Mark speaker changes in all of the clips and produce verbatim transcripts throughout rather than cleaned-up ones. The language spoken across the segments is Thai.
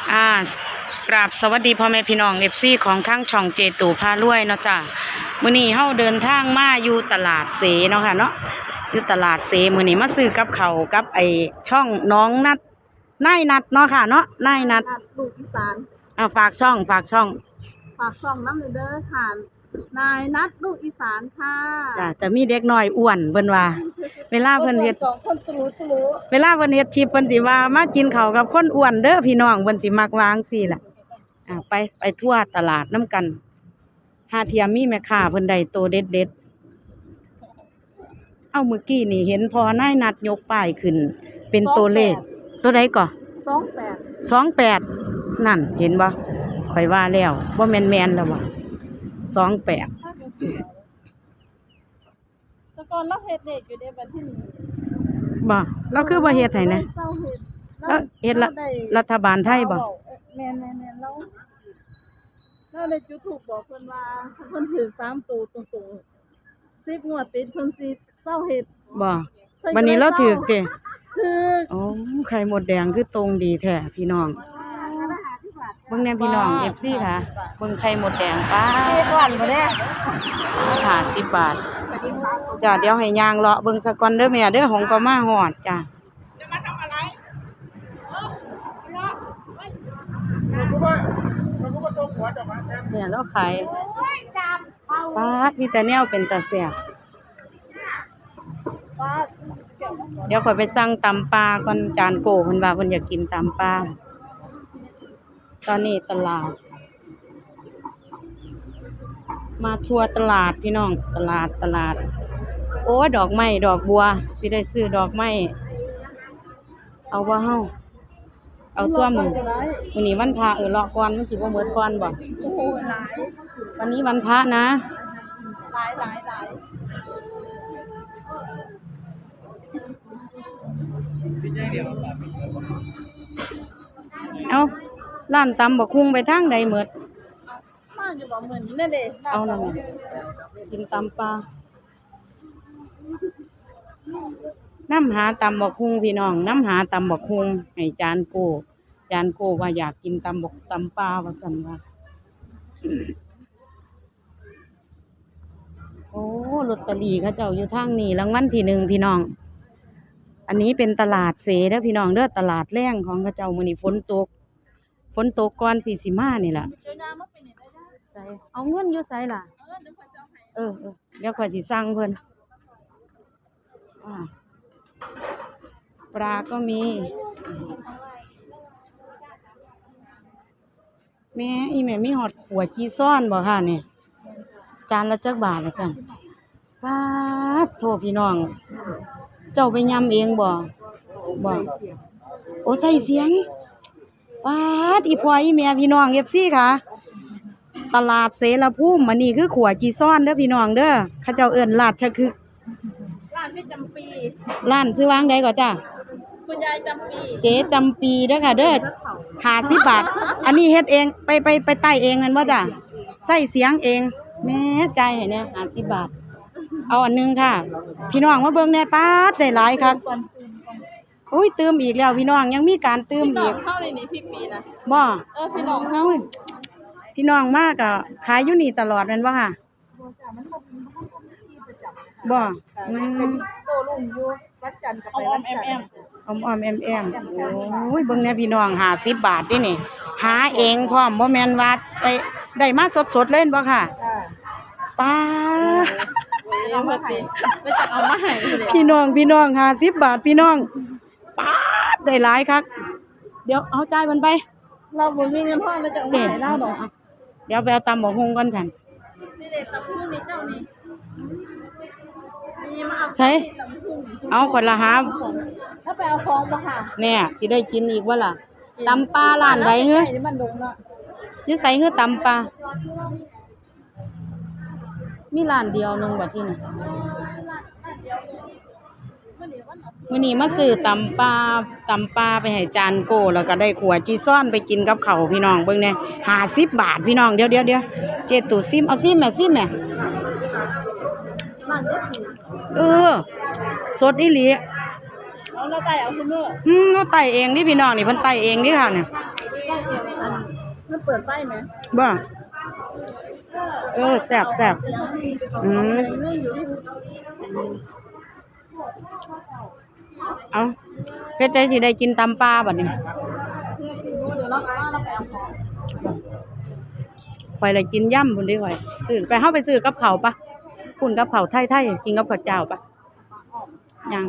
Speaker 1: อ่ากราบสวัสดีพ่อแม่พี่น้องเอฟซีของทั้งช่องเจตูพารวยเนาะจ้ะมื้อนี้เฮาเดินทางมาอยู่ตลาดเสเนาะค่ะเนาะอยู่ตลาดเสมื้อนี้มาซื้อกับเขาวกับไอช่องน้องนัดนายนัดเนาะค่ะเนาะนายนัด
Speaker 2: ลูกอีสาน
Speaker 1: อ่าฝากช่องฝากช่อง
Speaker 2: ฝากช่องน้ำเด้อค่ะนายนัดลูกอีสานค่ะ
Speaker 1: จ้ะจะมีเด็กน้อยอ้วนเพิ่นว่าเวลาเพิ่นเฮ็ด
Speaker 2: สองคนตรูตรู
Speaker 1: เวลาเพิ่นเฮ็ดคลิปเพิ่นสิว่ามากินข้าวกับคนอ้วนเด้อพี่น้องเพิ่นสิมักวางซี่ล่ะอ่าไปไปทั่วตลาดน้ำกันหาเทียมมีแม่ค้าเพิ่นได้โตเด็ดๆเอ้าเมื่อกี้นี่เห็นพอนายนัดยกป้ายขึ้นเป็นตัวเลขตัวใดก่อ
Speaker 2: สองแปด
Speaker 1: สองแปดนั่นเห็นบ่ข่อยว่าแล้วบ่แม่นๆแล้วว่ะสองแปด
Speaker 2: แต่ก่อนเราเฮ็ดเด็กอยู่ในบัดที่นี้
Speaker 1: บ่เราคือบ่เฮ็ดให้นะแล้วเฮ็ดละรัฐบาลไทยบ่
Speaker 2: แม่นๆๆเราเราได้จุดธูปบอกเพิ่นว่าถ้าเพิ่นถือสามตัวตรงๆสิบงวดติดเพิ่นสิเซาเฮ็ด
Speaker 1: บ่วันนี้เราถูกเด้
Speaker 2: ถูก
Speaker 1: อ๋อไข่หมดแดงคือตรงดีแท้พี่น้องเบิ่งแน่พี่น้อง เอฟ ซี ค่ะเบิ่งไข่หมดแดงป้าก่อนบ่ได้ห้าสิบบาทจ้ะเดี๋ยวให้ย่างเลาะเบิ่งซะก่อนเด้อแม่เด้อของก็มาฮอดจ้ะจะมาทำอะไรเนี่ยเราขายป้ามีแต่แนวเป็นตาแซ่บเดี๋ยวข่อยไปสั่งตำปลาก่อนจานโกเพิ่นว่าเพิ่นอยากกินตำปลาตอนนี้ตลาดมาทัวร์ตลาดพี่น้องตลาดตลาดโอ้ดอกไม้ดอกบัวสิได้ซื้อดอกไม้เอาบ่เฮาเอาตัวมึงมื้อนี้วันพระเออเลาะก่อนมันสิบ่หมดก่อนบ่วันนี้วันพระนะ
Speaker 2: หลายหลายหลาย
Speaker 1: เอาร้านตำบักหุ่งไปทางใดหมด
Speaker 2: มาอยู่บ่เหมือนนั่นเด้
Speaker 1: เอาล่ะกินตำปลาน้ำหาตำบักหุ่งพี่น้องน้ำหาตำบักหุ่งให้จานโกจานโกว่าอยากกินตำบักตำปลาว่าซั่นว่าโอ้ลอตเตอรี่เขาเจ้าอยู่ทางนี้รางวัลที่หนึ่งพี่น้องอันนี้เป็นตลาดเสเด้อพี่น้องเด้อตลาดแรงของเขาเจ้ามื้อนี้ฝนตกฝนตกก่อนที่สิมานี่ล่ะใส่เอาเงินอยู่ไสล่ะเออๆเดี๋ยวข้อยสิสั่งเพิ่นอ่าปลาก็มีแม่อีแม่มีฮอดขัวจีซ่อนบ่ค่ะนี่จานละจักบาทละจังป๊าดโทพี่น้องเจ้าไปยำเองบ่บ่โอ้ใส่เสียงป๊าดอีพ่ออีแม่พี่น้อง เอฟ ซี ค่ะตลาดเสรภูมิอันนี้คือขัวจีซ่อนเด้อพี่น้องเด้อเขาเจ้าเอิ้นราชคือ
Speaker 2: ร้านพี่จำปี
Speaker 1: ร้านชื่อว่างใดก่อนจ้ะ
Speaker 2: คุณยายจำปี
Speaker 1: เจ๊จำปีเด้อค่ะเด้อห้าสิบบาทอันนี้เฮ็ดเองไปไปไปใต้เองแม่นบ่จ้ะใส่เสียงเองแม่ใจให้แน่ห้าสิบบาทเอาอันนึงค่ะพี่น้องมาเบิ่งแน่ป๊าดได้หลายคักโอ้ยเติมอีกแล้วพี่น้องยังมีการเติมอีก
Speaker 2: เข้าในนี้พี่ปีนะ
Speaker 1: บ่
Speaker 2: เออพี่น้องเฮา
Speaker 1: พี่น้องมากก็ขายอยู่นี่ตลอดแม่นบ่ค่ะบ่อืม
Speaker 2: โตลุงอยู่วัดจันทร์กับไปวัดจันทร์
Speaker 1: ออมๆแอมๆโอ้ยเบิ่งแน่พี่น้องห้าสิบบาทนี่นี่หาเองพร้อมบ่แม่นว่าไปได้มาสดๆเล่นบ่ค่ะป้า
Speaker 2: เอามาให้ไม่จะเอามาให้
Speaker 1: พี่น้องพี่น้องห้าสิบบาทพี่น้องป๊าดได้หลายคักเดี๋ยวเอาจ่ายมันไป
Speaker 2: เราบ่มีเงินพอเราจะเอามาให้เราดอก
Speaker 1: เดี๋ยวไปเอาตำบักหุ่งก่อนซั่น
Speaker 2: นี่เด้ตำหุ่งนี่เจ้านี่นี่มาเอา
Speaker 1: ใช่เอาคนละหา
Speaker 2: ถ้าไปเอาของบ่ค่ะ
Speaker 1: เนี่ยสิได้กินอีกบ่ล่ะตำปลาร้านใดเฮ้ย
Speaker 2: มันดงเนาะ
Speaker 1: อยู่ไสเฮ้อตำปลามีร้านเดียวนึงบ่ที่นี่มื้อนี้มาซื้อตำปลาตำปลาไปให้จานโกแล้วก็ได้ขัวจีซ่อนไปกินกับข้าวพี่น้องเบิ่งแน่ห้าสิบบาทพี่น้องเดี๋ยวๆๆเจ็ดตู่ซิมเอาซิมแม่ซิมแม่เออสดอีหลี
Speaker 2: เอาแล้วไต่เอาซุมื้อ
Speaker 1: อืมเราไต่เองนี่พี่น้องนี่เพิ่นไต่เองนี่ค่ะเนี่ย
Speaker 2: เองอันมันเปิดไฟไหม
Speaker 1: บ่เออแซ่บแซ่บอืม
Speaker 2: เรื่องอยู่ที่
Speaker 1: เอาเพชรได้สิได้กินตำปลาบัดนี้
Speaker 2: เดี๋ยวเราเราไปเอาของ
Speaker 1: ข่อยเลยกินย่ำพุ่นเด้ข่อยซื้อไปเฮาไปซื้อกับข้าวปะพุ่นกับข้าวไทยๆกินกับข้าวเจ้าปะยัง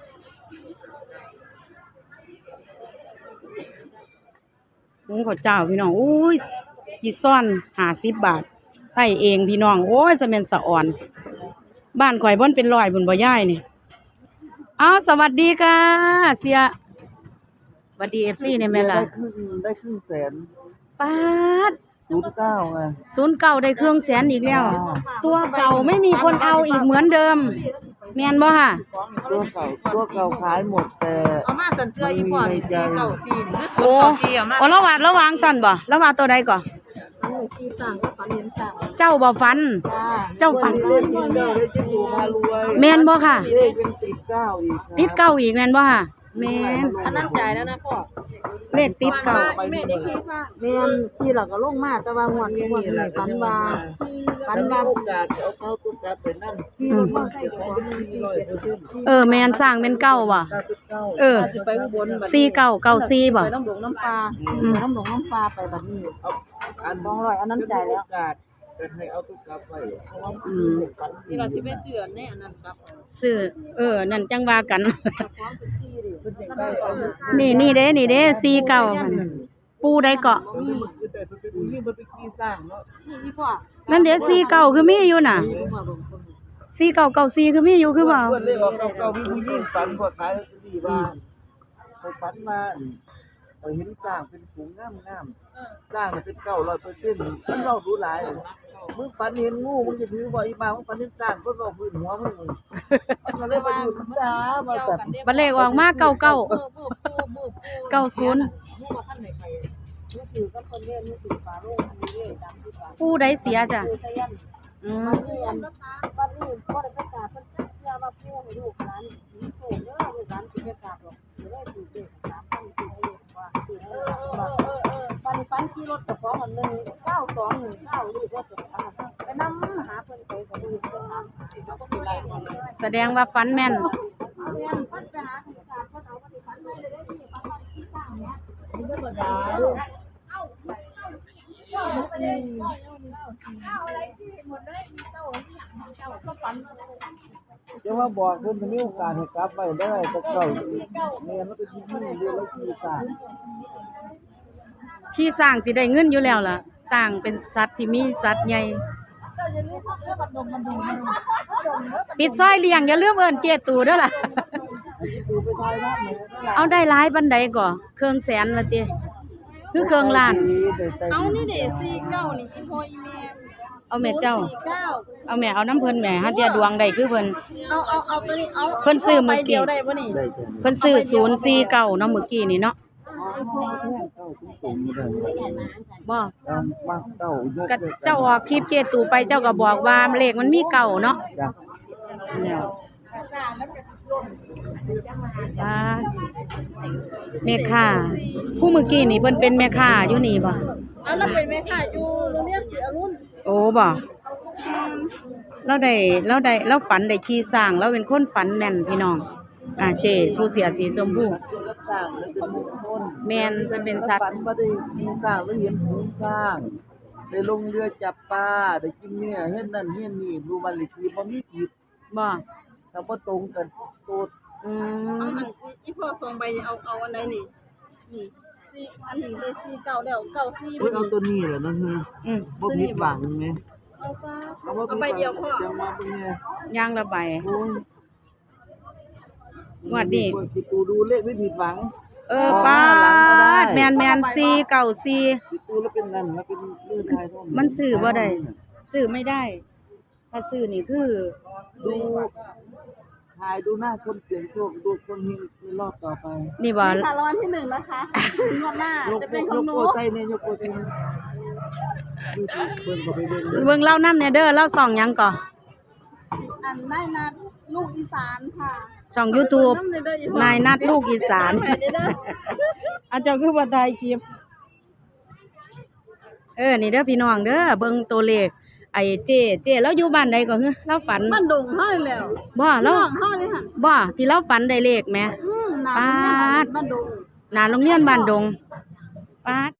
Speaker 1: หุงข้าวเจ้าพี่น้องอุ้ยกี่ซ่อนห้าสิบบาทไทยเองพี่น้องโอ้ยจะแม่นสะอ่อน บ้านข่อยบ่นเป็นร้อยบุญบ่ย้ายนี่อ้าวสวัสดีค่ะเสียสวัสดี เอฟ ซี เนี่ยแม่ล่ะ
Speaker 3: ได้ครึ่งได้ครึ่งแสน
Speaker 1: ป๊าด
Speaker 3: ศูนย์เก้าไง
Speaker 1: ศูนย์เก่าได้เครื่องแสนอีกแล้ว ตัวเก่าไม่มีคนเอาอีกเหมือนเดิม แม่นบ่ค่ะ
Speaker 3: ตัวเก่าตัวเก่าขายหมดแต่
Speaker 4: เอามาสันเสื้ออีพ่อนี่สี่เก้าสี่หรือศูน
Speaker 1: โอ้
Speaker 4: ย์เก้าสี่เอามา
Speaker 1: โอ้ระหว่างระหว่างสั่นบ่ระหว่างตัวใดก่อน
Speaker 2: อันนี้ที่สั่งก็ฝันเห็นสั่ง
Speaker 1: เจ้าบ่ฟัน
Speaker 2: จ้า
Speaker 1: เจ้าฟัน
Speaker 3: เล่นกินเก้าได้จิ้มดูมารวย
Speaker 1: แม่นบ่ค่ะ
Speaker 3: เลขยังติดเก้าอีกครับ
Speaker 1: ติดเก่าอีกแม่นบ่ค่ะแม่น
Speaker 2: อันนั้นจ่ายแล้วนะพ่อ
Speaker 1: เลขติดเก่า
Speaker 2: แม่ได้ขี้ข้างแม่นที่เราก็ลงมาแต่ว่างวดงวดนี้ฝันว่าฝัน
Speaker 3: ฉัน
Speaker 2: ว่า
Speaker 3: ว่าโอกาสเอาเข้าตัวกลับไปนั่น
Speaker 2: ที่รถมอเตอร์ไซค์ของ
Speaker 3: มีร้อยเปอร์เซ็นต์
Speaker 1: เออแม่นสร้างเป็นเก่าบ่
Speaker 3: เก้าสิบเก้า
Speaker 1: เออ
Speaker 2: สิไปอุบลบัดนี้
Speaker 1: สี่เก้าเก้าสี่บ่
Speaker 2: ไปน้ำหลวงน้ำปลาไปน้ำหลวงน้ำปลาไปแบบนี้
Speaker 3: เอาอัน
Speaker 2: สองร้อยอันนั้นจ่ายแล้ว
Speaker 3: โอกาสจะให้เอาตัวกลับไปเพราะว่า
Speaker 1: อืม
Speaker 3: ฝัน
Speaker 4: ที่เราสิไปเสื้อในอันนั้นครับ
Speaker 1: ซื้อเออนั่นจังว่ากัน
Speaker 3: เป็นอย่างไรเอาอยู่
Speaker 1: นี่นี่เด้นี่เด้สี่เก่าค่ะนี่ปูได้เกาะ
Speaker 3: มันคือแต่มันเป็นอุ้ยมันเป็นขี้สร้างเนาะ
Speaker 2: นี่พี่พ่อ
Speaker 1: นั่นเด้สี่เก่าคือมีอยู่น่ะ
Speaker 2: พี่พ่อลงคน
Speaker 1: สี่เก่าเก่าสี่คือมีอยู่คือเปล่า
Speaker 3: เพื่อนเรียกว่าเก่าเก่ามีผู้หญิงฝันพอขายลอตเตอรี่ว่าไปฝันมาไปเห็นสร้างเป็นฝูงงามงามๆสร้างเนี่ยเป็นเก้าร้อยเปอร์เซ็นต์มันเรารู้หลายมึงฝันเห็นงูมึงจะถือบ่อีมามึงฝันเห็นสร้างก็เราพื้นหัวมึงมันก็เลยไปอยู่จ้ามาแต่
Speaker 1: บัดเลขออกมาเก่าเก่า
Speaker 4: เมื่อเมื่อปูเมื่อปู
Speaker 1: เก้าศูนย์
Speaker 4: เมื่อท่านไหนไปเมื่อคือก็คนเรียนเมื่อคือฟ้าโลกมีเรื่องดำที่ฟ้า
Speaker 1: ปูได้เสียจ้ะ
Speaker 4: ปูตะยัน
Speaker 1: อืม
Speaker 4: เรียนวัดนี้พ่อได้ประกาศเพิ่นจักเชื่อว่าปูให้ลูกหลานมีโชคเด้อลูกหลานสิประกาศหรอกจะได้ถูกเลขสามพันสี่ให้เลขว่าสี่ให้เลขว่าปันปันขี่รถกับของอันหนึ่งเก้าสองหนึ่งเก้าลูกว่าจะไปนำหาเพิ่นไปกับลูกเพิ่นหาเขาก็สิไล่เพิ่นเลย
Speaker 1: แสดงว่าฟันแม่น
Speaker 4: เรียนพัฒนาคุณการพัฒนาปฏิพันธ์ไม่ได้ได้ที่บางวันที่ต่างเนี้ย
Speaker 3: มันธรรมดา
Speaker 4: อะไรที่หมดเลยมีเต้าที่อย่างของเจ้าก็ฝัน
Speaker 3: จะว่าบอกเพิ่นจะมีโอกาสให้กลับไปได้แต่เก่าเนี่ยมันเป็นที่นี่เรียกว่าขี้สร้าง
Speaker 1: ที่สร้างสิได้เงินอยู่แล้วล่ะ สร้างเป็นสัตว์ที่มีสัตว์ใหญ่ปิดซอยเลี้ยงอย่าลืมเอิ้นเจตูเด้อล่ะ
Speaker 3: ดูไปทายน้ำเหมือนกัน
Speaker 1: เอาได้หลายปานใดก่อเครื่องแสนว่าติคือเครื่องล้าน
Speaker 2: เอานี่เด็สี่เก้านี่อีพ่ออีแม่
Speaker 1: เอาแม่เจ้า
Speaker 2: สี่เก้า
Speaker 1: เอาแม่เอาน้ำเพิ่นแม่หาเตียดวงได้คือเพิ่น
Speaker 2: เอาเอาเอาตัวนี้เอา
Speaker 1: เพิ่นซื้อมื้อกี้
Speaker 2: ใบเดียวได้บ่นี่
Speaker 3: ได้แค่นี้
Speaker 1: เพิ่นซื้อศูนย์สี่เก้าเนาะเมื่อกี้นี่เนาะ
Speaker 3: เก้าตุ้งๆนี่ได้
Speaker 1: บ่
Speaker 3: ตามมาเก้ายก
Speaker 1: ก็เจ้าออกคลิปเจตูไปเจ้าก็บอกว่าเลขมันมีเก่าเนาะ
Speaker 3: จ้ะ
Speaker 1: เนี่ยอ่าแม่ค้าผู้เมื่อกี้นี่เพิ่นเป็นแม่ค้าอยู่นี่บ่
Speaker 2: เอาแล้วเป็นแม่ค้าอยู่โรงเรียนศรีอรุณ
Speaker 1: โอ้บ่เราได้เราได้เราฝันได้ขี่สร้างเราเป็นคนฝันแม่นพี่น้องอ่าเจผู้เสียสีชมพู
Speaker 3: ตัวกับสร้างมันเป็นมงคล
Speaker 1: แม่นเพิ่นเป็นสัตว์
Speaker 3: ฝันว่าได้มีสร้างแล้วเห็นฝูงสร้างได้ลงเรือจับปลาได้กินเนื้อเฮ็ดนั่นเฮ็ดนี่รู้มันเลยคือบ่มีผิด
Speaker 1: บ่
Speaker 3: ถ้าบ่ตรงกันโตด
Speaker 1: อื
Speaker 2: เอา
Speaker 1: ม
Speaker 2: อันอีพ่อส่งไปเอาเอาอันไหนนี่นี่สี่อันนี้ได้สี่เก้าแล้วเก้าสี่
Speaker 3: เพิ่นเอาตัวนี้แหละนะเฮ้ย
Speaker 1: อืม
Speaker 3: บ่ผิดหวังแหม
Speaker 2: เอาซะ
Speaker 3: เอาว่า
Speaker 2: เอาไปเดียวพ่อ
Speaker 3: จังมาเบิ่งแน่
Speaker 1: ย่างละใบ
Speaker 3: โอ้ย
Speaker 1: งวดนี้
Speaker 3: คิดดูดูเลขไม่ผิดหวัง
Speaker 1: เออป้าดแม่นแม่นสี่เก้าสี่
Speaker 3: คิดดูแล้วเป็นนั่นแล้วเป็นเรื่องไทยท่อง
Speaker 1: มันซื้อบ่ได้ ซื้อไม่ได้ ถ้าซื้อนี่คือ
Speaker 3: ดูถ่ายดูหน้าคนเสียงโชคดูคนเฮงในรอบต่อไป
Speaker 1: นี่บ่
Speaker 2: ค่ะรางวัลที่หนึ่งนะคะงวดหน้าย
Speaker 3: ก
Speaker 2: จะเป็นข
Speaker 3: ย
Speaker 2: อง
Speaker 3: ก
Speaker 2: หนู
Speaker 3: โปรไทยเนี่ยยกโปรไทยดูสิเพิ่นก็ไปเบิ่งเด้อ
Speaker 1: เบิ่งเล่านํแน่เด้อเล่าส่องหยังก่อ
Speaker 2: อันนายนัดลูกอีสานค่ะ
Speaker 1: ช่อง YouTube
Speaker 2: น้ำเลยเด้ออีพ่อน
Speaker 1: ายนัดลูกอีสาน
Speaker 2: แม่เด้อ
Speaker 1: อาเจ้าคือบ่ถ่ายคลิปเออนี่เด้อพี่น้องเด้อเบิ่งตัวเลขไอ้เจ้เจ้แล้วอยู่บ้านใดก็คือเราฝัน
Speaker 2: มันดงเฮานี่แหล้ว
Speaker 1: บ่เรา
Speaker 2: น้องเฮานี่หั่น
Speaker 1: บ่ที่เราฝันได้เลขแหม
Speaker 2: อืมนา
Speaker 1: ปาด
Speaker 2: มันดง
Speaker 1: หน้าโรงเรียนบ้านดงปาด